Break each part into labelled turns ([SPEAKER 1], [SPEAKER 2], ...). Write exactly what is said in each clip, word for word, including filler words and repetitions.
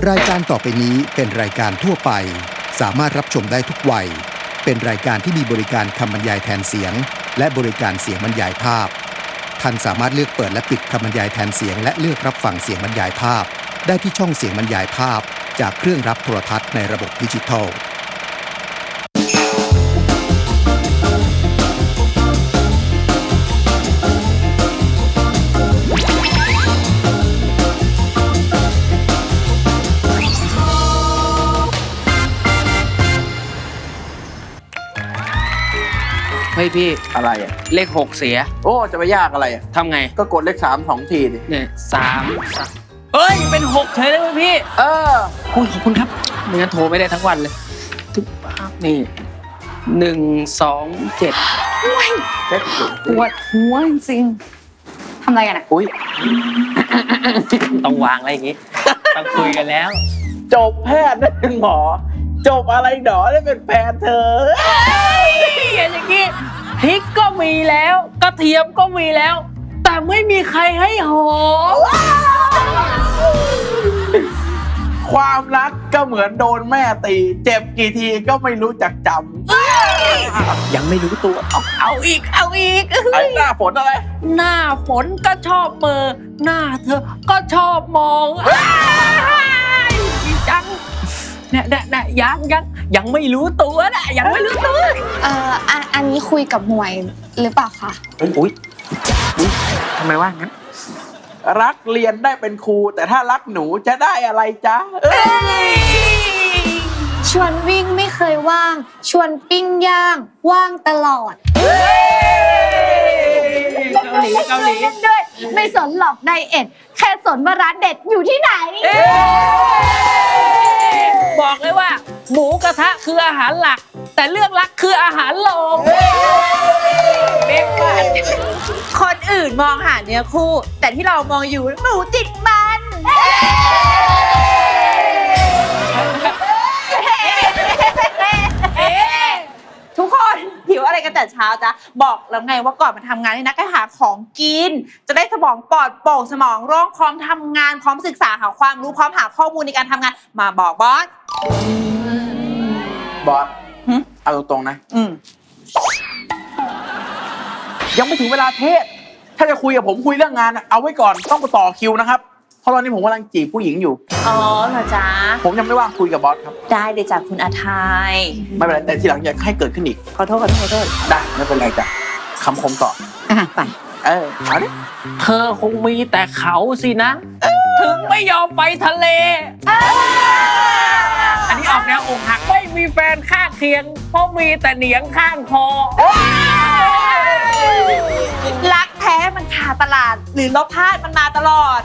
[SPEAKER 1] รายการต่อไปนี้เป็นรายการทั่วไปสามารถรับชมได้ทุกวัยเป็นรายการที่มีบริการคำบรรยายแทนเสียงและบริการเสียงบรรยายภาพท่านสามารถเลือกเปิดและปิดคำบรรยายแทนเสียงและเลือกรับฟังเสียงบรรยายภาพได้ที่ช่องเสียงบรรยายภาพจากเครื่องรับโทรทัศน์ในระบบดิจิทัล
[SPEAKER 2] เฮ้ยพี่
[SPEAKER 3] อะไรอ่ะ
[SPEAKER 2] เลขหกเสีย
[SPEAKER 3] โอ้จะไปยากอะไรอ่ะ
[SPEAKER 2] ทำไง
[SPEAKER 3] ก็กดเลขสามสองทีดิ
[SPEAKER 2] เนี่ยสามสามเฮ้ยเป็นหกเฉยเลยพี่
[SPEAKER 3] เออ
[SPEAKER 2] คุณขอบคุณครับไม่งั้นโทรไม่ได้ทั้งวันเลยทุกนี่หนึ่งสองเจ็ด
[SPEAKER 4] ปวดหัวจริงทำอะไรกันอ่ะ
[SPEAKER 3] อุ้ย
[SPEAKER 2] ต้องวางอะไรอย่างงี้ต้องคุยกันแล้ว
[SPEAKER 3] จบแพทย์ได้เป็นหมอจบอะไรหนอได้เป็นแฟนเธอ
[SPEAKER 2] อย่างงี้พริกก็มีแล้วกระเทียมก็มีแล้วแต่ไม่มีใครให้หอม
[SPEAKER 3] ความรักก็เหมือนโดนแม่ตีเจ็บกี่ทีก็ไม่รู้จักจำ
[SPEAKER 2] ยังไม่รู้ตัวเอาเอาอีกเอาอีก
[SPEAKER 3] ไอ้หน้าฝนอะไร
[SPEAKER 2] หน้าฝนก็ชอบเบอร์หน้าเธอก็ชอบมองจังเนี่ยเนี่ยยังยังยังไม่รู้ตัวนะยังไม่รู้ตัว
[SPEAKER 4] เอ่ออันนี้คุยกับหมวยหรือเปล่าคะ
[SPEAKER 2] อุ้ยทำไมว่างั้น
[SPEAKER 3] รักเรียนได้เป็นครูแต่ถ้ารักหนูจะได้อะไรจ๊ะ
[SPEAKER 4] ชวนวิ่งไม่เคยว่างชวนปิ้งย่างว่างตลอด
[SPEAKER 2] เกาหลีเกาหลี
[SPEAKER 4] ด้วยไม่สนหรอกไดเอทแค่สนว่าร้านเด็ดอยู่ที่ไหน
[SPEAKER 2] บอกเลยว่าหมูกระทะคืออาหารหลักแต่เรื่องรักคืออาหารรองเบ๊กว่า
[SPEAKER 5] คนอื่นมองหาเนื้อคู่แต่ที่เรามองอยู่หมูติดมันทุกคนหิวอะไรกันแต่เช้าจ๊ะบอกแล้วไงว่าก่อนมาทำงานนี่นะก็หาของกินจะได้สมองปลอดโปร่งสมองโล่งพร้อมทำงานพร้อมศึกษาหาความรู้พร้อมหาข้อมูลในการทำงานมาบอกบอส
[SPEAKER 3] บอสเอาตรงๆนะยังไม่ถึงเวลาเทศถ้าจะคุยกับผมคุยเรื่องงานเอาไว้ก่อนต้องไปต่อคิวนะครับเพราะตอนนี้ผมกำลังจีบผู้หญิงอยู่
[SPEAKER 5] อ๋อเหรอจ๊ะ
[SPEAKER 3] ผมยังไม่ว่างคุยกับบอสครับ
[SPEAKER 5] ได้เลยจ้ะคุณอาทัย
[SPEAKER 3] ไม่เป็นไรแต่ทีหลังอย่าให้เกิดขึ้นอีก
[SPEAKER 5] ขอโทษขอโทษขอโทษ
[SPEAKER 3] ได้ไม่เป็นไรจ้ะคำคมต่อ
[SPEAKER 5] อ่ะไป
[SPEAKER 3] เออเอาดิ
[SPEAKER 2] เธอคงมีแต่เขาสินะถึงไม่ยอมไปทะเลอันนี้ออกแนวอกหักไม่มีแฟนข้างเคียงเพราะมีแต่เหนียงข้างคอ
[SPEAKER 5] รักแท้มันขาดตลาดหรือลบพลาดมันมาตลอด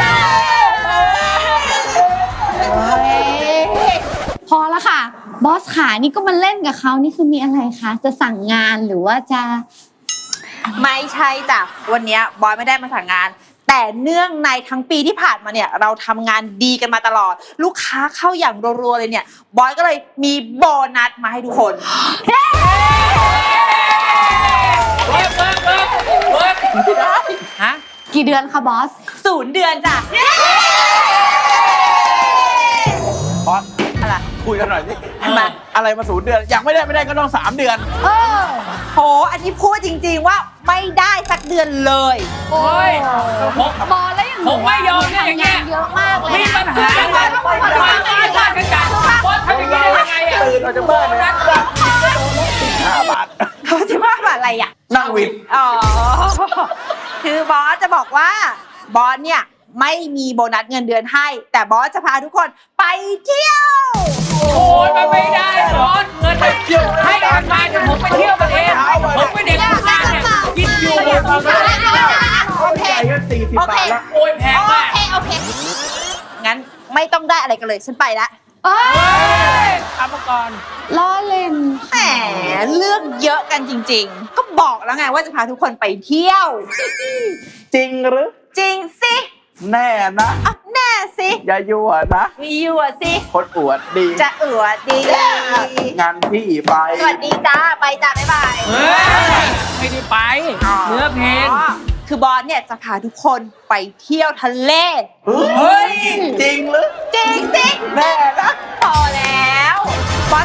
[SPEAKER 4] พอแล้วค่ะบอสขานี่ก็มาเล่นกับเขานี่คือมีอะไรคะจะสั่งงานหรือว่าจะ
[SPEAKER 5] ไม่ใช่จ้ะวันนี้บอยไม่ได้มาสั่งงานแต่เนื่องในทั้งปีที่ผ่านมาเนี่ยเราทำงานดีกันมาตลอดลูกค้าเข้าอย่างรัวๆเลยเนี่ยบอยก็เลยมีโบนัสมาให้ทุกคน
[SPEAKER 2] เวิร์กเวิร์กเวิร์กเวิร์กฮะ
[SPEAKER 4] กี่เดือนคะบอส
[SPEAKER 5] ศูนย์เดือนจ้ะ
[SPEAKER 3] บอสอะไรคุยกันหน่อยสิมาอะไรมาศูนย์เดือนอยากไม่ได้ไม่ได้ก็ต้องสามเดือน
[SPEAKER 5] เออโหอันนี้พูดจริงๆว่าไม่ได้สักเดือนเลย
[SPEAKER 2] โอ้ย
[SPEAKER 4] บอสแล้วอย่าง
[SPEAKER 2] ผมไม่ยอมเนี่ยอย่างเงี้ย
[SPEAKER 4] เยอะมากเลย
[SPEAKER 2] มีปัญหาอะไรมาไม่ได้ว่ากันกันบอสทำอย่างนี้ได้ยังไงอ่ะ
[SPEAKER 3] ตื่นออกจากบ้านเลยห้าบาท
[SPEAKER 5] เขาจะว่าอะไรอ่ะ
[SPEAKER 3] นั่งวิน
[SPEAKER 5] อ๋อคือบอสจะบอกว่าบอสเนี่ยไม่มีโบนัสเงินเดือนให้แต่บอสจะพาทุกคนไปเที่ยว
[SPEAKER 2] โอ้ยมันไม่ได้บอสเงินไปเที่ยวให้การงานเดี๋ยวผมไปเที่ยวกันเองผมไม่เด็กผู้ชายเนี่ยกินอยู่
[SPEAKER 5] โอเคโอเค
[SPEAKER 2] โอ้ยแพงมาก
[SPEAKER 5] โอเคโอเคงั้นไม่ต้องได้อะไรกันเลยฉันไปละ
[SPEAKER 4] เอ้
[SPEAKER 2] ยทำมาก่อน
[SPEAKER 4] ล้อเล่น
[SPEAKER 5] แหมเลือกเยอะกันจริงๆก็บอกแล้วไงว่าจะพาทุกคนไปเที่ยว
[SPEAKER 3] จริงหรือ
[SPEAKER 5] จริงสิ
[SPEAKER 3] แน่นะ
[SPEAKER 5] อ่ะแน่สิ
[SPEAKER 3] อย่ายั่วนะ
[SPEAKER 5] ยั่วสิ
[SPEAKER 3] คนอวดดี
[SPEAKER 5] จะอวดดี
[SPEAKER 3] งานพี่ไป
[SPEAKER 5] สวัสดีจ้าไปจ้าบ๊ายบาย
[SPEAKER 2] ไม่ได้ไปเนื้อเพลง
[SPEAKER 5] คือบอสเนี่ยจะพาทุกคนไปเที่ยวทะเล
[SPEAKER 3] เฮ้ยจริงหรือ
[SPEAKER 5] จริงสิ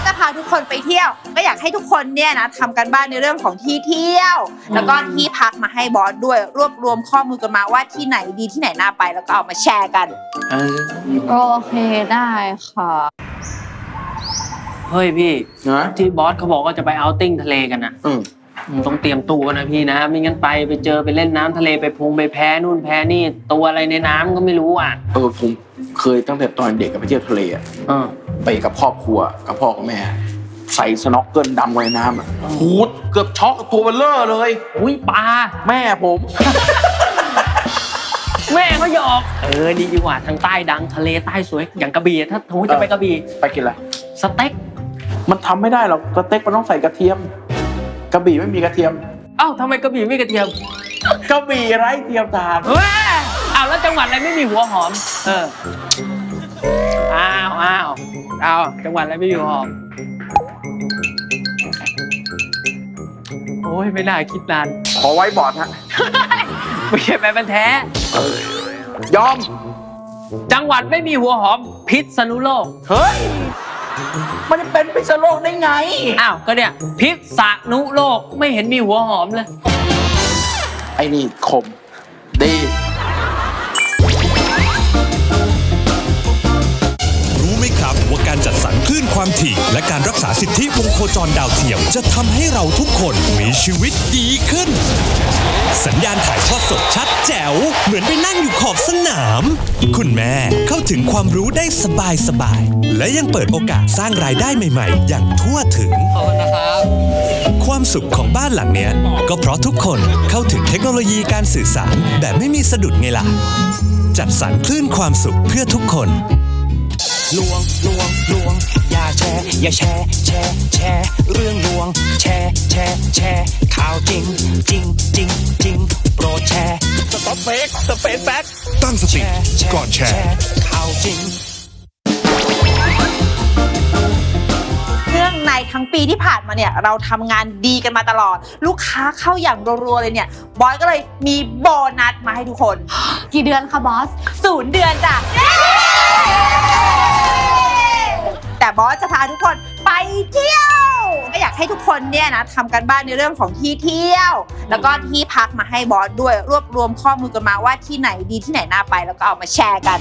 [SPEAKER 5] จะพาทุกคนไปเที่ยวก็อยากให้ทุกคนเนี่ยนะทำกันบ้านในเรื่องของที่เที่ยว แล้วก็ที่พักมาให้บอสด้วยรวบรวมข้อมูลกันมาว่าที่ไหนดีที่ไหนน่าไปแล้วก็เอามาแชร์กัน
[SPEAKER 3] เออ
[SPEAKER 4] โอเคได้ค่ะ
[SPEAKER 2] เฮ้ยพี่
[SPEAKER 3] นะ
[SPEAKER 2] ที่บอสเขาบอกว่าจะไปเอาท์ติ้งทะเลกันนะ
[SPEAKER 3] อืม
[SPEAKER 2] มึงต้องเตรียมตัวนะพี่นะไม่งั้นไปไปเจอไปเล่นน้ำทะเลไปพงไปแพ้นู่นแพ้นี่ตัวอะไรในน้ำก็ไม่รู้อ่ะ
[SPEAKER 3] เออผมเคยตั้งแต่ตอนเด็กกับไปเที่ยวทะเลอะ
[SPEAKER 2] เออ
[SPEAKER 3] ไปกับครอบครัวกับพ่อกับแม่ ใส่สน็อกเกิลดำไว้ในน้ำอะหูดเกือบช็อกกับตัวเบลเลอร์เลย
[SPEAKER 2] อุ้ยปลา
[SPEAKER 3] แม่ผม
[SPEAKER 2] แม่เขาหยอกเออดีดีกว่าทางใต้ดังทะเลใต้สวยอย่างกระบี่ถ้าสมมติจะไปกระบี่
[SPEAKER 3] ไปกินอะไร
[SPEAKER 2] สเต็ก
[SPEAKER 3] มันทำไม่ได้หรอกสเต็กมันต้องใส่กระเทียม กระบี่ไม่มีกระเทียม
[SPEAKER 2] เอ้าทำไมกระบี่ไม่กระเทียม
[SPEAKER 3] กระบี่ไร้เทียมทาน
[SPEAKER 2] เฮ้ยอ้าวแล้วจังหวัดอะไรไม่มีหัวหอม เออ อ้าวอ้าวอ้าวจังหวัดอะไรไม่มีหัวหอม โอ้ยไม่น่าคิดนาน
[SPEAKER 3] ขอไว้บอร์ดฮะ
[SPEAKER 2] ไม่ใช่แม่เป็นแท้
[SPEAKER 3] ยอม
[SPEAKER 2] จังหวัดไม่มีหัวหอม พิษณุโลก
[SPEAKER 3] เฮ้ย มันจะเป็นพิษณุโลกได้ไง
[SPEAKER 2] อ้าว ก็เนี่ย พิษณุโลกไม่เห็นมีหัวหอมเลย
[SPEAKER 3] ไอ้นี่คม ดี
[SPEAKER 6] รู้ไหมครับว่าการจัดสรรคลื่นความถี่และการรักษาสิทธิวงโคจรดาวเทียมจะทำให้เราทุกคนมีชีวิตดีขึ้น สัญญาณถ่ายทอดสดชัดแจ๋วเหมือนไปนั่งอยู่ขอบสนาม คุณแม่เข้าถึงความรู้ได้สบายสบายๆและยังเปิดโอกาสสร้างรายได้ใหม่ๆ อย่างทั่วถึง
[SPEAKER 2] ขอบคุณนะครับ
[SPEAKER 6] ความสุขของบ้านหลังเนี้ยก็เพราะทุกคนเข้าถึงเทคโนโลยีการสื่อสารแบบไม่มีสะดุดไงล่ะ จัดสรรคลื่นความสุขเพื่อทุกคน
[SPEAKER 7] ลวงลวงลวงอย่าแชร์อย่าแชร์แชร์แชร์เรื่องลวงแชร์แชร์แชร์ข่าวจริงจริงจริงจริงโปรดแชร์สต็อปเฟกสเปซแบ็ก
[SPEAKER 6] ตั้งสติก่อนแชร์
[SPEAKER 7] ข่าวจริง
[SPEAKER 5] เรื่องในทั้งปีที่ผ่านมาเนี่ยเราทำงานดีกันมาตลอด ลูกค้าเข้าอย่างรัวๆเลยเนี่ยบอยก็เลยมีโบนัสมาให้ทุกคน
[SPEAKER 4] กี่เดือนคะบอส
[SPEAKER 5] ศูนย์เดือนจ้ะแต่บอสจะพาทุกคนไปเที่ยวก็อยากให้ทุกคนเนี่ยนะทำกันบ้านในเรื่องของที่เที่ยว แล้วก็ที่พักมาให้บอสด้วยรวบรวมข้อมูลกันมาว่าที่ไหนดีที่ไหนน่าไปแล้วก็เอามาแชร์กัน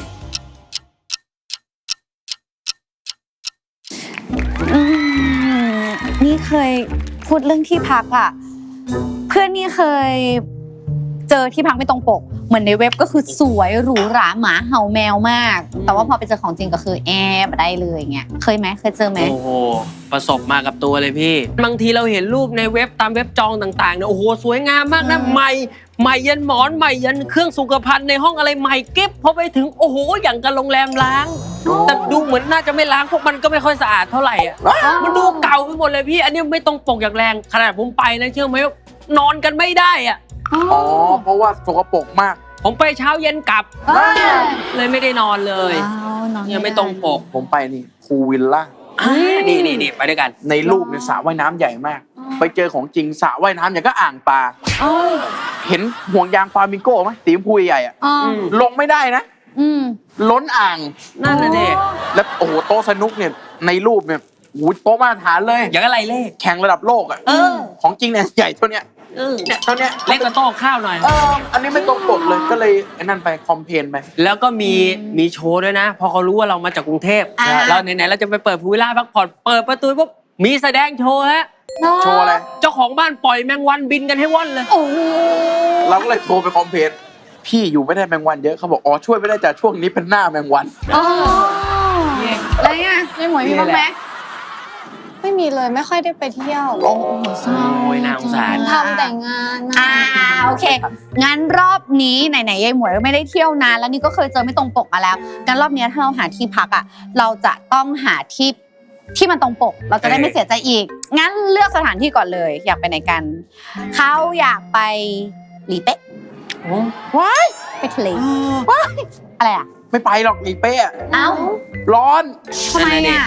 [SPEAKER 4] อืมนี่เคยพูดเรื่องที่พักอ่ะ เพื่อนนี่เคยเจอที่พักไม่ตรงปก เหมือนในเว็บก็คือสวยหรูหราหมาเห่าแมวมาก แต่ว่าพอไปเจอของจริงก็คือแอบได้เลยเงี้ยเคยไหมเคยเจอไหม
[SPEAKER 2] โอ้โห ประสบมากับตัวเลยพี่ บางทีเราเห็นรูปในเว็บตามเว็บจองต่างๆเนี่ยโอ้โหสวยงามมากนะใหม่ใหม่ยันหมอนใหม่ยันเครื่องสุขภัณฑ์ในห้องอะไรใหม่เก็บพอไปถึงโอ้โหอย่างกับโรงแรมล้าง แต่ดูเหมือนน่าจะไม่ล้างพวกมันก็ไม่ค่อยสะอาดเท่าไหร่อ่ะมันดูเก่าไปหมดเลยพี่ อันนี้ไม่ตรงปกอย่างแรงขนาดผมไปนะเชื่อไหมว่านอนกันไม่ได้อ่ะ
[SPEAKER 3] อ๋อ เพราะว่าสกปรกมาก
[SPEAKER 2] ผมไปเช้าเย็นกลับ
[SPEAKER 4] ว้าว
[SPEAKER 2] เลยไม่ได้นอนเลย
[SPEAKER 4] ว้าวนอน
[SPEAKER 2] ยังไม่ตรงปก
[SPEAKER 3] ผมไปนี่พูลวิลล่า
[SPEAKER 2] อ่านี่นี่นี่ไปด้วยกัน
[SPEAKER 3] ในรูปเนี่ยสระว่ายน้ำใหญ่มาก ไปเจอของจริงสระว่ายน้ำอย่างก็อ่างปลา
[SPEAKER 4] อ๋อ
[SPEAKER 3] เห็นห่วงยางฟลามิงโก้ไหมสีชมพูใหญ่อะ
[SPEAKER 4] อ๋อ
[SPEAKER 2] อืม
[SPEAKER 3] ลงไม่ได้นะ
[SPEAKER 4] อืม
[SPEAKER 3] ล้นอ่าง
[SPEAKER 2] นั่นน่ะดิ
[SPEAKER 3] แล้วโอ้โหโต๊ะสนุกเนี่ยในรูปเนี่ยโอ้โหโต๊ะมาตรฐานเลย
[SPEAKER 2] อย่างอะไรเล่
[SPEAKER 3] แข่งระดับโลกอะ
[SPEAKER 2] เออ
[SPEAKER 3] ของจริงเนี่ยใหญ่เท่าเนี้ย
[SPEAKER 2] เออ
[SPEAKER 3] เนี่ยเท่าเนี้ย
[SPEAKER 2] เล็กกว่าโต๊ะข้าวหน่อย
[SPEAKER 3] เอออันนี้ไม่ตรงปกเลยก็เลยไอ้นั่นไปคอมเพลนไป
[SPEAKER 2] แล้วก็มีมีโชว์ด้วยนะ พอเขารู้ว่าเรามาจากกรุงเทพ
[SPEAKER 4] อ่า
[SPEAKER 2] เราไหนๆเราจะไปเปิดพูลวิลล่าพักผ่อนเปิดประตูปุ๊บมีแสดงโชว์แล้ว
[SPEAKER 3] โชว์อะไร
[SPEAKER 2] เจ้าของบ้านปล่อยแมงวันบินกันให้ว่อนเลย
[SPEAKER 4] โอ้โห
[SPEAKER 3] เราก็เลยโทรไปคอมเพลนพี่อยู่ไม่ได้แมงวันเยอะเขาบอกอ๋อช่วยไม่ได้จากช่วงนี้เป็นหน้าแมงวัน
[SPEAKER 4] อ๋ออะไรอ่ะยายหมวยมีบ้างไหม
[SPEAKER 8] ไม่มีเลยไม่ค่อยได้ไปเที่ยว
[SPEAKER 4] โอ้โหเศร้า
[SPEAKER 2] โอ้ยน่าสงสาร
[SPEAKER 8] ทำแต่งานนะ
[SPEAKER 4] อ่าโอเค งั้นรอบนี้ไหนๆยายหมวยไม่ได้เที่ยวนานแล้วนี่ก็เคยเจอไม่ตรงปกมาแล้วงั้นรอบนี้ถ้าเราหาที่พักอ่ะเราจะต้องหาที่ที่มันตรงปก เราจะได้ไม่เสียใจอีก งั้นเลือกสถานที่ก่อนเลย อยากไปไหนกันเขาอยากไปหลีเป๊ะ
[SPEAKER 3] ว้าย
[SPEAKER 4] ไปทะเลว้ายอะไรอ่ะ
[SPEAKER 3] ไม่ไปหรอกหลีเป้อะ
[SPEAKER 4] เอ้า
[SPEAKER 3] ร้อน
[SPEAKER 4] ทำไมอ่ะ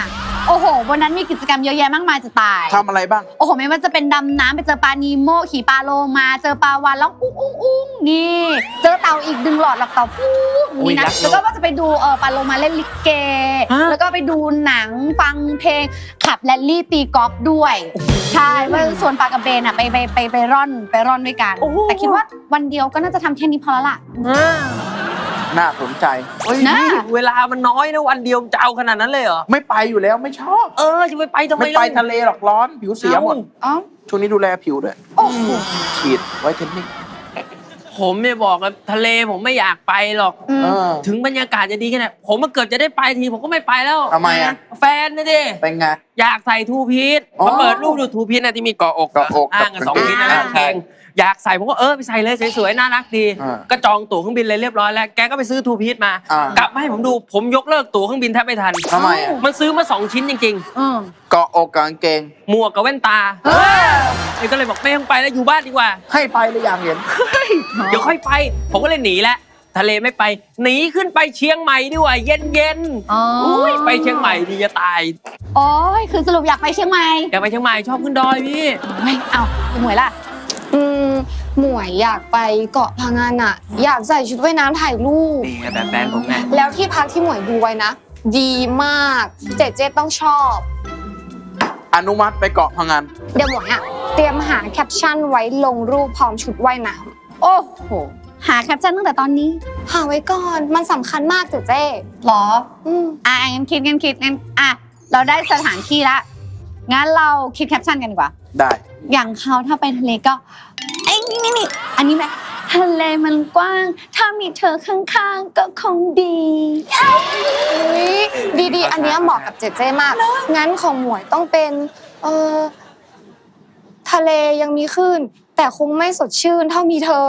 [SPEAKER 4] โอ้โหบนนั้นมีกิจกรรมเยอะแยะมากมายจะตาย
[SPEAKER 3] ทำอะไรบ้าง
[SPEAKER 4] โอ้โหไม่ว่าจะเป็นดำน้ำไปเจอปลานีโมขี่ปลาโลมาเจอปลาวาฬแล้วอุ้งอุ้งอุ้งนี่เจอเต่าอีกดึงหลอดหลับเต่าปุ๊บนี่นะแล้วก็ว่าจะไปดูเออปลาโลมาเล่นลิเก แล้วก็ไปดูหนังฟังเพลงขับแรลลี่ตีกอล์ฟด้วยใช่เมื่อส่วนปลากระเบนอ่ะไปไปไปไปร่อนไปร่อนด้วยกันแต่คิดว่าวันเดียวก็น่าจะทำแค่นี้พอแล้วล่ะ
[SPEAKER 3] น่าสนใจ
[SPEAKER 2] เฮ้ย
[SPEAKER 4] นะ
[SPEAKER 2] นี่เวลามันน้อยนะวันเดียวจะเอาขนาดนั้นเลยเหรอ
[SPEAKER 3] ไม่ไปอยู่แล้วไม่ชอบ
[SPEAKER 2] เออจะไปไปทำไม
[SPEAKER 3] ไม่ไป
[SPEAKER 2] ล่ะ
[SPEAKER 3] ทะเลหรอกร้อนผิวเสียหมด
[SPEAKER 4] อ๋อ
[SPEAKER 3] ช่วงนี้ดูแลผิวด้วย
[SPEAKER 4] โอ้โห
[SPEAKER 3] ฉีดไวท์เทนนิ่ง
[SPEAKER 2] ผมไม่บอกกับทะเลผมไม่อยากไปหรอก
[SPEAKER 3] เออ
[SPEAKER 2] ถึงบรรยากาศจะดีแค่ไหนผมมาเกิดจะได้ไปทีผมก็ไม่ไปแล้ว
[SPEAKER 3] ทำไมอ่ะ
[SPEAKER 2] แฟนนะดิ
[SPEAKER 3] เป็นไง
[SPEAKER 2] อยากใส่ทูพีซ
[SPEAKER 3] อ๋อ
[SPEAKER 2] มาเปิดรูปดูทูพีซนะที่มีเกาะอก
[SPEAKER 3] เกาะอก
[SPEAKER 2] อ้างกัน
[SPEAKER 3] กับ
[SPEAKER 2] สองพีซนะ
[SPEAKER 3] กางเกง
[SPEAKER 2] กางเกงอยากใส่ผมก็เออไปใส่เลยสวยๆน่ารักดี
[SPEAKER 3] อ่า
[SPEAKER 2] ก็จองตั๋วเครื่องบินเลยเรียบร้อยแล้วแกก็ไปซื้อทูพีซมา
[SPEAKER 3] อ่าก
[SPEAKER 2] ลับมาให้ผมดูผมยกเลิกตั๋วเครื่องบินแทบไม่ทัน
[SPEAKER 3] ทำไมอ่ะ
[SPEAKER 2] มันซื้อมาสองชิ้นจริง
[SPEAKER 4] อืม
[SPEAKER 3] เกาะอกกางเกง
[SPEAKER 2] ๆหมวกกับแว่นตานี่ก็เลยบอกไม่ต้องไปแล้วอยู่บ้านดีกว่า
[SPEAKER 3] ให้ไปเลยอยากเห็น
[SPEAKER 2] เดี๋ยวค่อยไป ผมก็เลยหนีแล้วทะเลไม่ไป หนีขึ้นไปเชียงใหม่ดีกว่า เย็นเย็นๆ
[SPEAKER 4] อ๋ออุ๊
[SPEAKER 2] อุ้ยไปเชียงใหม่ดีจะตาย
[SPEAKER 4] โอ้ยคือสรุปอยากไปเชียงใหม่
[SPEAKER 2] อยากไปเชียงใหม่ชอบขึ้นดอยพี่
[SPEAKER 4] ไม่เอาคุณหมวยล่ะ
[SPEAKER 8] อืมหมวยอยากไปเกาะพังงานอะอยากใส่ชุดว่ายน้ำถ่ายรูป
[SPEAKER 2] นี่ไงแบบแฟนผมไง
[SPEAKER 8] แล้วที่พักที่หมวยดูไว้นะ ดีมากเจเจต้องชอบ
[SPEAKER 3] อนุมัติไปเกาะพังงาน
[SPEAKER 8] เดี๋ยวหมวยอะเตรียมหาแคปชั่นไว้ลงรูปพร้อมชุดว่ายน้
[SPEAKER 4] โอ้โหหาแคปชั่นตั้งแต่ตอนนี้
[SPEAKER 8] ำหาไว้ก่อนมันสำคัญมากเจเจ
[SPEAKER 4] หรอ
[SPEAKER 8] อืม
[SPEAKER 4] อ่ะงั้นคิดงั้นคิดงั้นอ่ะเราได้สถานที่ละงั้นเราคิดแคปชั่นกันดีกว่า
[SPEAKER 3] ได้
[SPEAKER 4] อย่างเขาถ้าไปทะเลก็ไอ้ยนี่นี่นี่อันนี้ไหมทะเลมันกว้าง ถ้ามีเธอข้างๆก็คงดี
[SPEAKER 8] อุ๊ยดีๆ อันเนี้ยเหมาะกับเจเจมาก งั้นของหมวยต้องเป็นเออทะเลยังมีคลื่นแต่คงไม่สดชื่นเท่ามีเธอ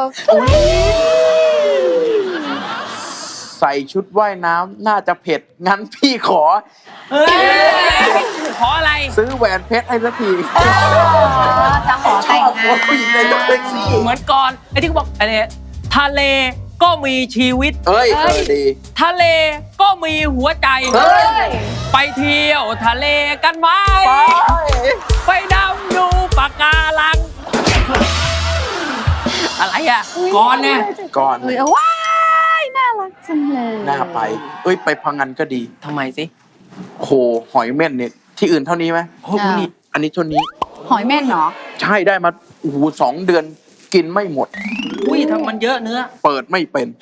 [SPEAKER 3] ใส่ชุดว่ายน้ำน่าจะเผ็ด งั้นพี่ขอ
[SPEAKER 2] เฮ้ยขออะไร
[SPEAKER 3] ซื้อแหวนเพชรให้สักที
[SPEAKER 4] จะขอ
[SPEAKER 3] ช
[SPEAKER 4] แต่ง
[SPEAKER 3] อบ
[SPEAKER 4] งาน
[SPEAKER 3] ผู้หญิงในรถแท็กซี่
[SPEAKER 2] เหมือนก่อนไอ้ที่เขาบอกอะไรทะเลก็มีชีวิต
[SPEAKER 3] เอ้ยเออดี
[SPEAKER 2] ทะเลก็มีหัวใจ
[SPEAKER 3] เฮ้ย
[SPEAKER 2] ไปเที่ยวทะเลกันไหม
[SPEAKER 3] ไป
[SPEAKER 2] ไปดำดูปะการัง อะไรอ่ะก่อนเนี่ย
[SPEAKER 3] ก่อน
[SPEAKER 4] เออว้ายน่ารักจังเลย
[SPEAKER 3] น่าไป เอ้ยไปพังงานก็ดี
[SPEAKER 2] ทำไมสิ
[SPEAKER 3] โหหอยเม่นเนี่ยที่อื่นเท่านี้ไหม
[SPEAKER 2] โอ้โหนี่
[SPEAKER 3] อันนี้เท่านี้
[SPEAKER 4] หอยเม่นเหรอ
[SPEAKER 3] ใช่ได้มาโอ้โหสองเดือนกินไม่หมด
[SPEAKER 2] อุ้ยทำมันเยอะเนื้อ
[SPEAKER 3] เปิดไม่เป็น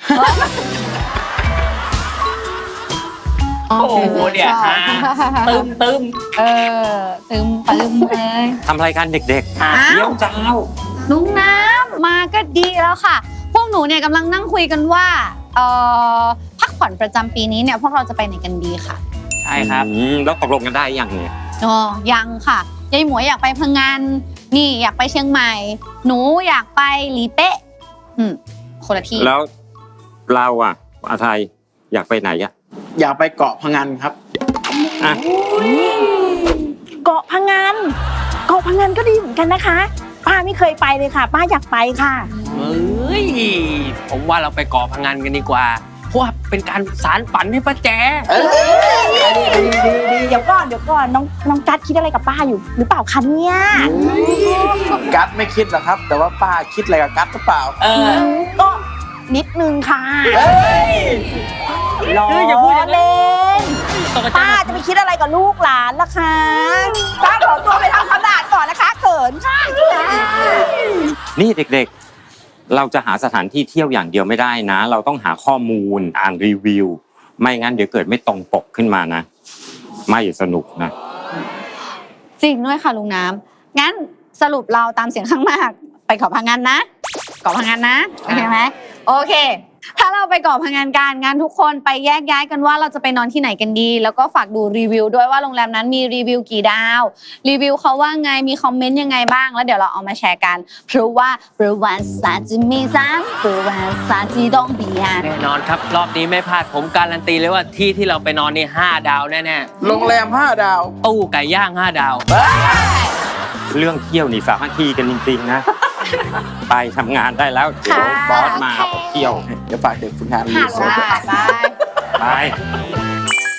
[SPEAKER 2] โอ้โหเนี่ยฮะตึมตึม
[SPEAKER 4] เออตึมตึมเลย
[SPEAKER 9] ทำรายการเด็ก
[SPEAKER 4] อ้า
[SPEAKER 9] ๆเยี่ยว
[SPEAKER 4] ว
[SPEAKER 9] เจ้า
[SPEAKER 4] ลุงน้ำมาก็ดีแล้วค่ะ พวกหนูเนี่ยกำลังนั่งคุยกันว่าเอ่อพักผ่อนประจำปีนี้เนี่ยพวกเราจะไปไหนกันดีค่ะ
[SPEAKER 2] ใช่ครับ
[SPEAKER 9] อืมแล้วตกลงกันได้ยังเนี่ย
[SPEAKER 4] อ๋อยังค่ะยายหมวยอยากไปพังงานนี่อยากไปเชียงใหม่ หนูอยากไปหลีเป๊ะอืมคนละที่
[SPEAKER 9] แล้วเราอ่ะอาไทยอยากไปไหนอ่ะ
[SPEAKER 3] อยากไปเกาะพังงานครับ
[SPEAKER 9] อ่ะ
[SPEAKER 5] เกาะพังงานเกาะพังงานก็ดีเหมือนกันนะคะ ป้าไม่เคยไปเลยค่ะ ป้าอยากไปค่ะ
[SPEAKER 2] เฮ้ย ผมว่าเราไปเกาะพังงานกันดีกว่า เพราะว่าเป็นการสารฝันให้ป้าแจ
[SPEAKER 3] เอ้ย
[SPEAKER 5] ดีดีดีดีเดี๋ยวก่อนเดี๋ยวก่อนน้องน้องกัดคิดอะไรกับป้าอยู่หรือเปล่าคะเนี่ย
[SPEAKER 3] กัดไม่คิดหรอกครับ แต่ว่าป้าคิดอะไรกับกัดหรือเปล่า
[SPEAKER 2] เออ
[SPEAKER 5] ก็นิดนึงค่ะ
[SPEAKER 3] เอ้ย
[SPEAKER 5] ล้อ
[SPEAKER 2] เฮ้ยอย่าพูดอย่างนั้น
[SPEAKER 5] เล่น
[SPEAKER 2] ตกใจ
[SPEAKER 5] ป้าจะไปคิดอะไรกับลูกหลานล่ะคะป้าขอตัวไปทำความสะอาดก่อนนะคะเขินค่ะ
[SPEAKER 9] นี่เด็กๆ เราจะหาสถานที่เที่ยวอย่างเดียวไม่ได้นะ เราต้องหาข้อมูลอ่านรีวิว ไม่งั้นเดี๋ยวเกิดไม่ตรงปกขึ้นมานะ ไม่สนุกนะ
[SPEAKER 4] จริงด้วยค่ะลุงน้ำงั้นสรุปเราตามเสียงข้างมาก ไปเกาะพังงานนะเกาะพังงานนะโอเคไหมโอเค ถ้าเราไปเกาะพังงานกันงั้นทุกคนไปแยกย้ายกันว่าเราจะไปนอนที่ไหนกันดี แล้วก็ฝากดูรีวิวด้วยว่าโรงแรมนั้นมีรีวิวกี่ดาวรีวิวเขาว่าไงมีคอมเมนต์ยังไงบ้างแล้วเดี๋ยวเราเอามาแชร์กันเพราะว่าประวัติศาสตร์จะมีซ้ำประวัติศาสตร์ที่ต้องเบียด
[SPEAKER 2] แน่นอนครับ รอบนี้ไม่พลาดผมการันตีเลยว่าที่ที่เราไปนอนนี่ห้าดาวแน่
[SPEAKER 3] โรงแรมห้าดาว
[SPEAKER 2] ๆ ตู้ไก่ย่างห้าดาว
[SPEAKER 9] เรื่องเที่ยวนี่สามัคคีกันจริงๆนะ ไปทำงานได้แล้วเดี๋ยวบอสมาเอาเที่ยว
[SPEAKER 3] เดี๋ยวฝากเด็กฝึกงานรี
[SPEAKER 4] ค่ะ
[SPEAKER 3] สอร์ท
[SPEAKER 4] บาย
[SPEAKER 9] ไป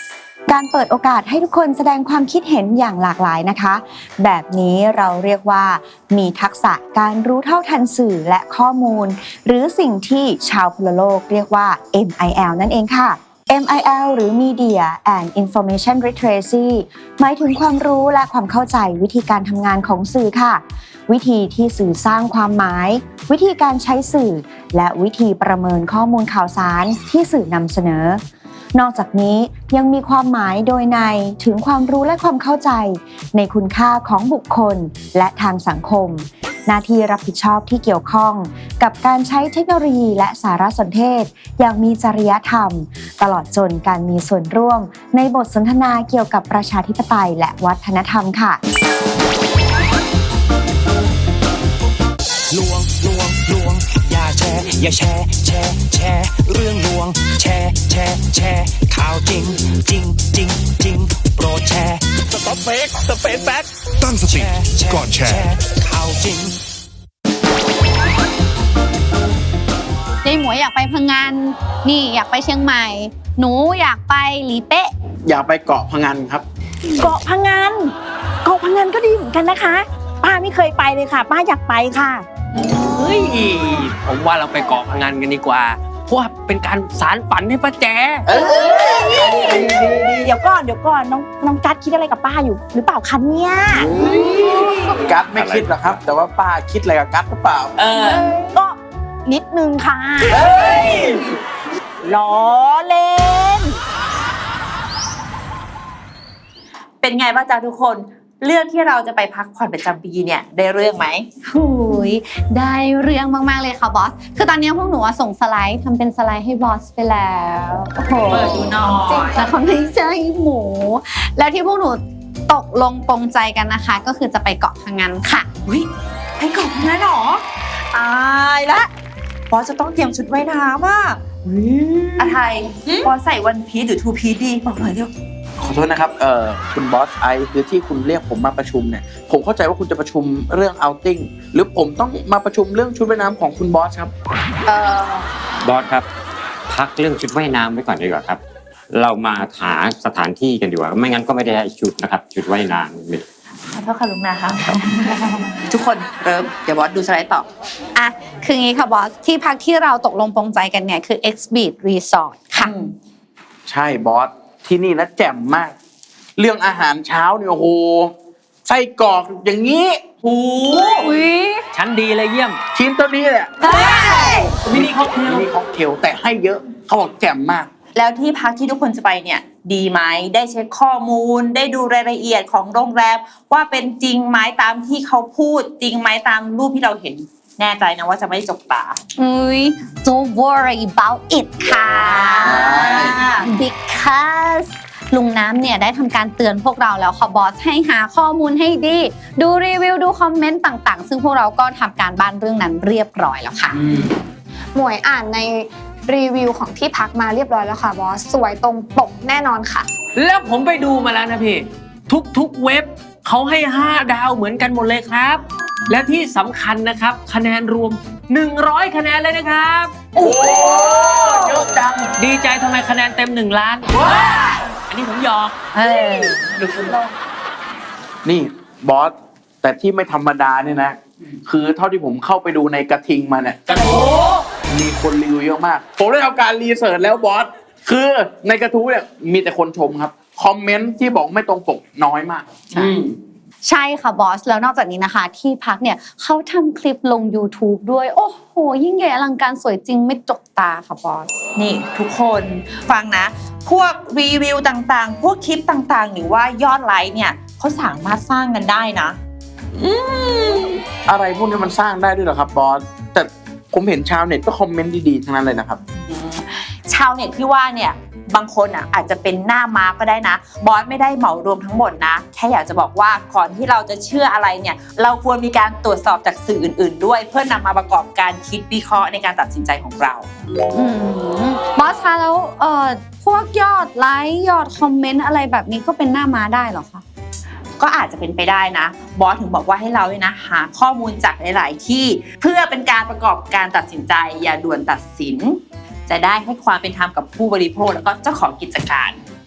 [SPEAKER 10] การเปิดโอกาสให้ทุกคนแสดงความคิดเห็นอย่างหลากหลายนะคะแบบนี้เราเรียกว่ามีทักษะการรู้เท่าทันสื่อและข้อมูลหรือสิ่งที่ชาวพลโลกเรียกว่า เอ็ม ไอ แอล นั่นเองค่ะ เอ็ม ไอ แอล หรือ Media and Information Literacy หมายถึงความรู้และความเข้าใจวิธีการทำงานของสื่อค่ะวิธีที่สื่อสร้างความหมายวิธีการใช้สื่อและวิธีประเมินข้อมูลข่าวสารที่สื่อนำเสนอนอกจากนี้ยังมีความหมายโดยในถึงความรู้และความเข้าใจในคุณค่าของบุคคลและทางสังคมหน้าที่รับผิดชอบที่เกี่ยวข้องกับการใช้เทคโนโลยีและสารสนเทศอย่างมีจริยธรรมตลอดจนการมีส่วนร่วมในบทสนทนาเกี่ยวกับประชาธิปไตยและวัฒนธรรมค่ะ
[SPEAKER 7] ลวงลวงลวงอย่าแชร์อย่าแชร์แชร์แชร์เรื่องลวงแชร์แชร์แชร์ข่าวจริงจริงจริงจริงโปรดแชร์สต็อปเฟกสเปซแบ็ก
[SPEAKER 6] ตั้งสติก่อนแชร์
[SPEAKER 7] ข่าวจริง
[SPEAKER 4] ยายหมวยอยากไปพังงานนี่อยากไปเชียงใหม่หนูอยากไปหลีเป๊ะ
[SPEAKER 3] อยากไปเกาะพะงันครับ
[SPEAKER 5] เกาะพะงันเกาะพะงันก็ดีเหมือนกันนะคะป้าไม่เคยไปเลยค่ะป้าอยากไปค่ะ
[SPEAKER 2] เฮ้ยผมว่าเราไปเกาะพะงันกันดีกว่าเพราะว่าเป็นการสารฝันให้ป้าแจ๋
[SPEAKER 5] เดี๋ยวก่อนเดี๋ยวก่อนน้องน้องกัดคิดอะไรกับป้าอยู่หรือเปล่าคะเนี่ย
[SPEAKER 3] กัดไม่คิดหรอกครับแต่ว่าป้าคิดอะไรกับกัดหรือเปล่า
[SPEAKER 5] เออก็นิดนึงค่ะล้อเล่นเป็นไงบ้างจ๊ะทุกคนเรื่องที่เราจะไปพักผ่อนประจำปีเนี่ยได้เรื่องไหม
[SPEAKER 4] หูยได้เรื่องมากๆเลยค่ะบอสคือตอนนี้พวกหนูส่งสไลด์ทำเป็นสไลด์ให้บอสไปแล้วโอ้โห
[SPEAKER 5] เปิดดูหน่อย
[SPEAKER 4] แต่เขาไม่ใช่หมูแล้วที่พวกหนูตกลงปรงใจกันนะคะก็คือจะไปเกาะพะงันค่ะ
[SPEAKER 5] อุ้ยไปเกาะพะงันเหรอตายละบอสจะต้องเตรียมชุดว่ายน้ำอ่ะอะไทยบอสใส่วันพีซหรือทูพีซดีบอกหน่อยเดี๋ยว
[SPEAKER 3] ขอโทษนะครับเอ่อคุณบอสไอคือที่คุณเรียกผมมาประชุมเนี่ยผมเข้าใจว่าคุณจะประชุมเรื่องเอาติ้งหรือผมต้องมาประชุมเรื่องชุดว่ายน้ำของคุณบอสครับ
[SPEAKER 9] เอ่อบอสครับพักเรื่องชุดว่ายน้ำไว้ก่อนดีกว่าครับเรามาหาสถานที่กันดีกว่าไม่งั้นก็ไม่ได้ชุดนะครับชุดว่ายน้ำ
[SPEAKER 5] ขอโทษค่ะลุงนะคะทุกคนเริ่มเดี๋ยวบอสดูสไลด์ต่อ
[SPEAKER 4] อ่ะคืองี้ค่ะบอสที่พักที่เราตกลงปรงใจกันเนี่ยคือ X Beach Resort ค่ะ
[SPEAKER 3] ใช่บอสที่นี่นะแจ่มมากเรื่องอาหารเช้าเนี่ยโอ้โหไส้กรอกอย่างนี้โอ้
[SPEAKER 2] ยชั้นดีเลยเยี่ยม
[SPEAKER 3] ชิ้นตัวนี้แหละ
[SPEAKER 2] มินิค็อกเทล
[SPEAKER 3] มินิค็อกเทลแต่ให้เยอะเขาบอกแจ่มมาก
[SPEAKER 5] แล้วที่พักที่ทุกคนจะไปเนี่ยดีไหมได้เช็คข้อมูลได้ดูรายละเอียดของโรงแรมว่าเป็นจริงไหมตามที่เขาพูดจริงไหมตามรูปที่เราเห็นแน่ใจนะว่าจะไม่จกตา
[SPEAKER 4] อุ้ย don't worry about it ค่ะ because ลุงน้ำเนี่ยได้ทำการเตือนพวกเราแล้วค่ะบอสให้หาข้อมูลให้ดีดูรีวิวดูคอมเมนต์ต่างๆซึ่งพวกเราก็ทำการบ้านเรื่องนั้นเรียบร้อยแล้วค่ะ
[SPEAKER 8] หมวยอ่านในรีวิวของที่พักมาเรียบร้อยแล้วค่ะบอสสวยตรงปกแน่นอนค่ะ
[SPEAKER 2] แล้วผมไปดูมาแล้วนะพี่ทุกๆเว็บเขาให้ห้าดาวเหมือนกันหมดเลยครับและที่สำคัญนะครับคะแนนรวมหนึ่งร้อยคะแนนเลยนะครับ
[SPEAKER 3] โอ้เยอะจัง
[SPEAKER 2] ดีใจทำไมคะแนนเต็มหนึ่งล้านอันนี้ผมหยอกเออ
[SPEAKER 3] นี่บอสแต่ที่ไม่ธรรมดาเนี่ยนะคือเท่าที่ผมเข้าไปดูในกระทิงมาเนี่ยกระทู้มีคนรีวิวเยอะมากผมได้ทำการรีเสิร์ชแล้วบอสคือในกระทู้เนี่ยมีแต่คนชมครับคอมเมนต์ที่บอกไม่ตรงปกน้อยมาก
[SPEAKER 4] ใช่ค่ะบอสแล้วนอกจากนี้นะคะที่พักเนี่ยเขาทำคลิปลง YouTube ด้วยโอ้โหยิ่งใหญ่อลังการสวยจริงไม่จกตาค่ะบอส
[SPEAKER 5] นี่ทุกคนฟังนะพวกรีวิวต่างๆพวกคลิปต่างๆหรือว่ายอดไลค์เนี่ยเขาสามารถสร้างกันได้นะ
[SPEAKER 3] อืมอะไรพวกนี้มันสร้างได้ด้วยเหรอครับบอสแต่ผมเห็นชาวเน็ตก็คอมเมนต์ดีๆทั้งนั้นเลยนะครับ
[SPEAKER 5] ชาวเน็ตที่ว่าเนี่ยบางคนอ่ะอาจจะเป็นหน้าม้าก็ได้นะบอสไม่ได้เหมารวมทั้งหมดนะแค่อยากจะบอกว่าก่อนที่เราจะเชื่ออะไรเนี่ยเราควรมีการตรวจสอบจากสื่ออื่นๆด้วยเพื่อนำมาประกอบการคิดวิเคราะห์ในการตัดสินใจของเรา
[SPEAKER 4] บอสคะแล้วเอ่อพวกยอดไลค์ยอดคอมเมนต์อะไรแบบนี้ก็เป็นหน้าม้าได้เหรอคะ
[SPEAKER 5] ก็อาจจะเป็นไปได้นะบอสถึงบอกว่าให้เราเนี่ยนะหาข้อมูลจากหลายๆที่เพื่อเป็นการประกอบการตัดสินใจอย่าด่วนตัดสินจะได้ให้ความเป็นธรรมกับผู้บริโภคแล้วก็เจ้าของกิจการ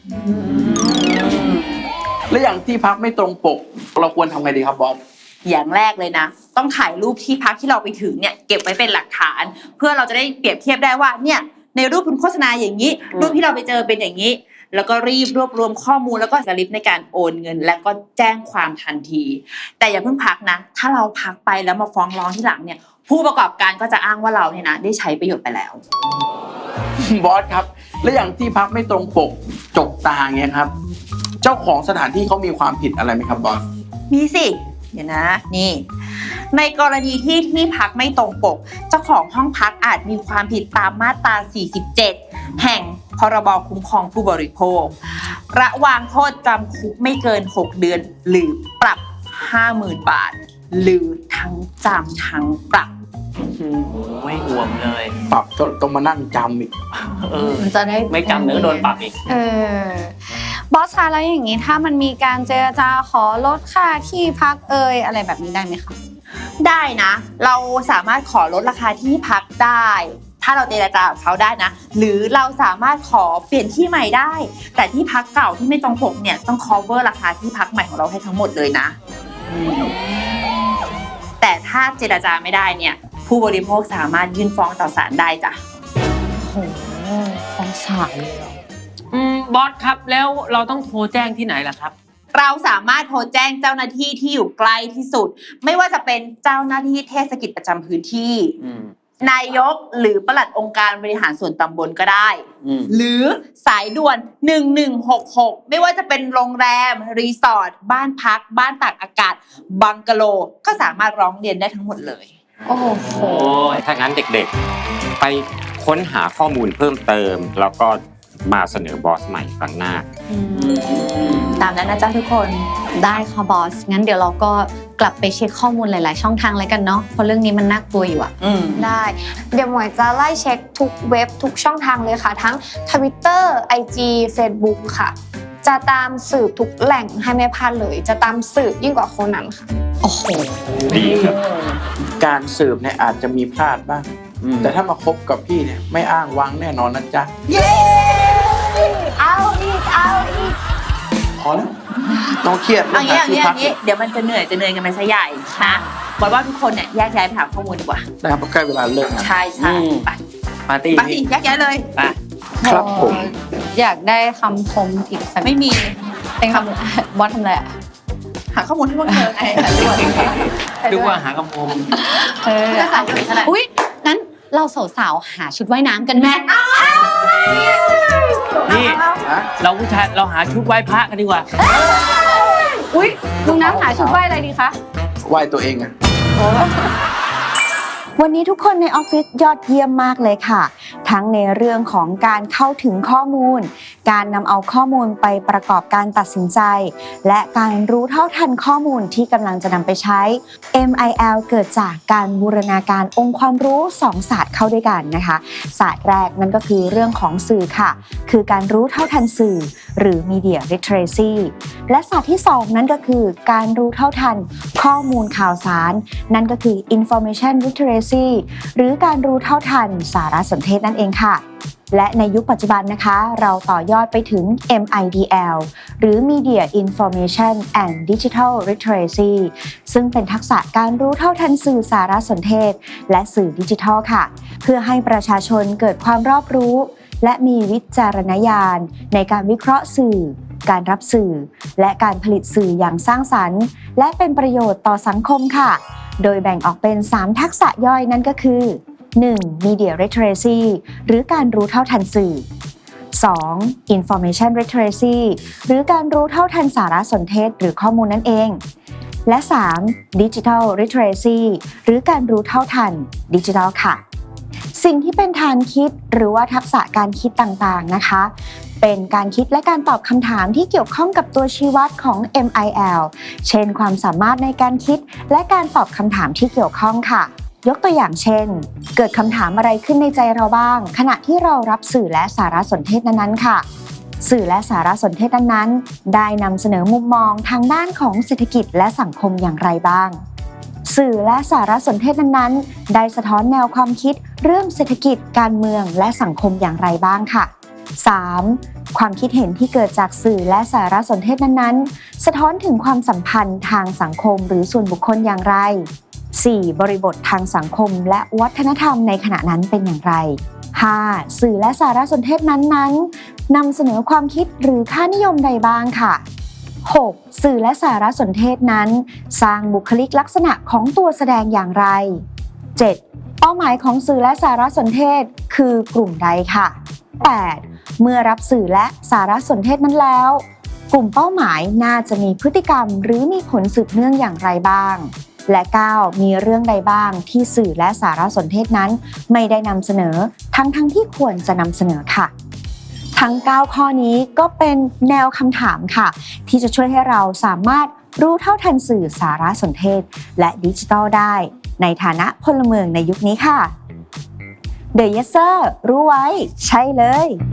[SPEAKER 3] แล้วอย่างที่พักไม่ตรงปก เราควรทำไงดีครับบอส
[SPEAKER 5] อย่างแรกเลยนะ ต้องถ่ายรูปที่พักที่เราไปถึงเนี่ยเก็บไว้เป็นหลักฐาน เพื่อเราจะได้เปรียบเทียบได้ว่าเนี่ยในรูปคุณโฆษณาอย่างนี้ รูปที่เราไปเจอเป็นอย่างนี้ แล้วก็รีบรวบรวมข้อมูลแล้วก็สลิปในการโอนเงิน และก็แจ้งความทันที แต่อย่าเพิ่งพักนะถ้าเราพักไปแล้วมาฟ้องร้องที่หลังเนี่ยผู้ประกอบการก็จะอ้างว่าเราเนี่ยนะได้ใช้ประโยชน์ไปแล้ว
[SPEAKER 3] บอสครับ แล้วอย่างที่พักไม่ตรงปกจกตาเงี้ยครับ เจ้าของสถานที่เขามีความผิดอะไรไหมครับบอส
[SPEAKER 5] มีสิเดี๋ยวนะนี่ในกรณีที่ที่พักไม่ตรงปกเจ้าของห้องพักอาจมีความผิดตามมาตราสี่สิบเจ็ดแห่งพรบคุ้มครองผู้บริโภคระวางโทษจำคุกไม่เกินหกเดือนหรือปรับ ห้าหมื่น บาท หรือทั้งจำทั้งปรับ
[SPEAKER 2] ไม่ห่วงเลย
[SPEAKER 3] ปรับก็ต้องมานั่งจำอีก
[SPEAKER 2] เออ
[SPEAKER 4] มันจะได้
[SPEAKER 2] ไม่จำเนื้อโดนปรับอีก
[SPEAKER 4] เออบอสคะแล้วอย่างนี้ถ้ามันมีการเจรจาขอลดค่าที่พักเอ่ยอะไรแบบนี้ได้ไหมคะ
[SPEAKER 5] ได้นะ เราสามารถขอลดราคาที่พักได้ ถ้าเราเจรจากับเขาได้นะ หรือเราสามารถขอเปลี่ยนที่ใหม่ได้ แต่ที่พักเก่าที่ไม่ตรงปกเนี่ยต้อง cover ราคาที่พักใหม่ของเราให้ทั้งหมดเลยนะแต่ถ้าเจรจาไม่ได้เนี่ยผู้บริโภคสามารถยื่นฟ้องต่อศาลได้จ้ะ
[SPEAKER 4] โอ้โหฟ้องศาลเลยเหรอ
[SPEAKER 2] อืมบอสครับแล้วเราต้องโทรแจ้งที่ไหนล่ะครับ
[SPEAKER 5] เราสามารถโทรแจ้งเจ้าหน้าที่ที่อยู่ใกล้ที่สุด ไม่ว่าจะเป็นเจ้าหน้าที่เทศกิจประจำพื้นที่
[SPEAKER 2] อืม
[SPEAKER 5] นายกหรือปลัดองค์การบริหารส่วนตำบลก็ได้
[SPEAKER 2] อืม
[SPEAKER 5] หรือสายด่วนหนึ่งหนึ่งหกหกไม่ว่าจะเป็นโรงแรมรีสอร์ทบ้านพักบ้านตากอากาศบังกะโลก็สามารถร้องเรียนได้ทั้งหมดเลย
[SPEAKER 4] โอ้โห
[SPEAKER 2] โอ้ย
[SPEAKER 9] ถ้างั้นเด็กๆ ไปค้นหาข้อมูลเพิ่มเติม แล้วก็มาเสนอบอสใหม่ครั้งหน้า
[SPEAKER 5] ตามนั้นนะจ๊ะทุกคน
[SPEAKER 4] ได้ค่ะบอส งั้นเดี๋ยวเราก็กลับไปเช็คข้อมูลหลาย ๆ ช่องทางเลยกันเนาะ เพราะเรื่องนี้มันน่ากลัวอยู่อะ
[SPEAKER 5] อืม
[SPEAKER 8] ได้ เดี๋ยวหมวยจะไล่เช็คทุกเว็บทุกช่องทางเลยค่ะ ทั้ง Twitter ไอ จี Facebook ค่ะ จะตามสืบทุกแหล่งให้ไม่พลาดเลย จะตามสืบยิ่งกว่าโคนันค่ะ
[SPEAKER 4] โอ้โห
[SPEAKER 9] ดีครับ
[SPEAKER 3] การสืบเนี่ยอาจจะมีพลาดบ้าง
[SPEAKER 2] อืม
[SPEAKER 3] แต่ถ้ามาคบกับพี่เนี่ยไม่อ้างว้างแน่นอนนะจ๊ะ
[SPEAKER 5] เย้ เอาอีก เอาอีก
[SPEAKER 3] พอแล้วต้องเครียด
[SPEAKER 5] เอางี้เอา
[SPEAKER 3] ที่
[SPEAKER 5] งี้
[SPEAKER 3] พั
[SPEAKER 5] เอางี้เดี๋ยวมันจะเหนื่อยจะเหนื่อยกันไปซะใหญ่นะบอกว่าทุกคนเนี่ยแยกย้ายไปหาข้อมูลดีกว่า
[SPEAKER 3] นะครับใกล้เวลาเลิกงาน
[SPEAKER 5] ใช่ใช่
[SPEAKER 2] อืม
[SPEAKER 5] ไป
[SPEAKER 2] ปาร์ตี้
[SPEAKER 5] ไปสิ
[SPEAKER 2] พี่
[SPEAKER 5] แยกย้ายเลย
[SPEAKER 2] ไป
[SPEAKER 3] ครับผม
[SPEAKER 4] อยากได้คำคมอีกสัก
[SPEAKER 5] ไม่มี
[SPEAKER 4] เป็นคำบอสทำอะไรอะ
[SPEAKER 5] หาข้อมูลให้พวกเธอไงหาด้วย
[SPEAKER 2] ดูว่าหากระผม
[SPEAKER 4] เออ
[SPEAKER 5] จะใส่กันขนาด
[SPEAKER 4] อุ๊ย งั้นเราสาวๆหาชุดว่ายน้ำกันไหม
[SPEAKER 2] นี่
[SPEAKER 3] ฮะ
[SPEAKER 2] เราผู้ชายเราหาชุดไหว้พระกันดีกว่า
[SPEAKER 4] อุ๊ยลุงน้ำหาชุดว่ายอะไรดีคะ
[SPEAKER 3] ไหว้ตัวเองอะ
[SPEAKER 10] วันนี้ทุกคนในออฟฟิศยอดเยี่ยมมากเลยค่ะ ทั้งในเรื่องของการเข้าถึงข้อมูล การนำเอาข้อมูลไปประกอบการตัดสินใจ และการรู้เท่าทันข้อมูลที่กำลังจะนำไปใช้ เอ็ม ไอ แอล เกิดจากการบูรณาการองค์ความรู้สองศาสตร์เข้าด้วยกันนะคะ ศาสตร์แรกนั่นก็คือเรื่องของสื่อค่ะ คือการรู้เท่าทันสื่อ หรือ Media Literacy และศาสตร์ที่สองนั่นก็คือการรู้เท่าทันข้อมูลข่าวสาร นั่นก็คือ Information Literacy หรือการรู้เท่าทันสารสนเทศนั่นเองค่ะ และในยุคปัจจุบันนะคะ เราต่อยอดไปถึง เอ็ม ไอ ดี แอล หรือ Media Information and Digital Literacy ซึ่งเป็นทักษะการรู้เท่าทันสื่อสารสนเทศและสื่อดิจิทัลค่ะ เพื่อให้ประชาชนเกิดความรอบรู้ และมีวิจารณญาณในการวิเคราะห์สื่อ การรับสื่อ และการผลิตสื่ออย่างสร้างสรรค์ และเป็นประโยชน์ต่อสังคมค่ะ โดยแบ่งออกเป็น สาม ทักษะย่อยนั่นก็คือ หนึ่ง Media Literacy หรือการรู้เท่าทันสื่อ สอง Information Literacy หรือการรู้เท่าทันสารสนเทศหรือข้อมูลนั่นเอง และ สาม Digital Literacy หรือการรู้เท่าทันดิจิทัลค่ะ สิ่งที่เป็นฐานคิดหรือว่าทักษะการคิดต่างๆนะคะ เป็นการคิดและการตอบคำถามที่เกี่ยวข้องกับตัวชี้วัดของ เอ็ม ไอ แอล เช่นความสามารถในการคิดและการตอบคำถามที่เกี่ยวข้องค่ะ ยกตัวอย่างเช่น เกิดคำถามอะไรขึ้นในใจเราบ้าง ขณะที่เรารับสื่อและสารสนเทศนั้นๆค่ะ สื่อและสารสนเทศนั้นๆได้นำเสนอมุมมองทางด้านของเศรษฐกิจและสังคมอย่างไรบ้าง สื่อและสารสนเทศนั้นๆได้สะท้อนแนวความคิดเรื่องเศรษฐกิจการเมืองและสังคมอย่างไรบ้างค่ะ สามความคิดเห็นที่เกิดจากสื่อและสารสนเทศนั้นๆสะท้อนถึงความสัมพันธ์ทางสังคมหรือส่วนบุคคลอย่างไร สี่. บริบททางสังคมและวัฒนธรรมในขณะนั้นเป็นอย่างไร ห้า. สื่อและสารสนเทศนั้นๆนำเสนอความคิดหรือค่านิยมใดบ้างค่ะ หก. สื่อและสารสนเทศนั้นสร้างบุคลิกลักษณะของตัวแสดงอย่างไร เจ็ด. เป้าหมายของสื่อและสารสนเทศคือกลุ่มใดค่ะ แปด. เมื่อรับสื่อและสารสนเทศนั้นแล้วกลุ่มเป้าหมายน่าจะมีพฤติกรรมหรือมีผลสืบเนื่องอย่างไรบ้างและ เก้า. มีเรื่องใดบ้างที่สื่อและสารสนเทศนั้นไม่ได้นำเสนอทั้งทั้งที่ควรจะนำเสนอค่ะทั้งเก้าข้อนี้ก็เป็นแนวคำถามค่ะที่จะช่วยให้เราสามารถรู้เท่าทันสื่อสารสนเทศและดิจิทัลได้ในฐานะพลเมืองในยุคนี้ค่ะ The Yes Sir รู้ไว้ใช่เลย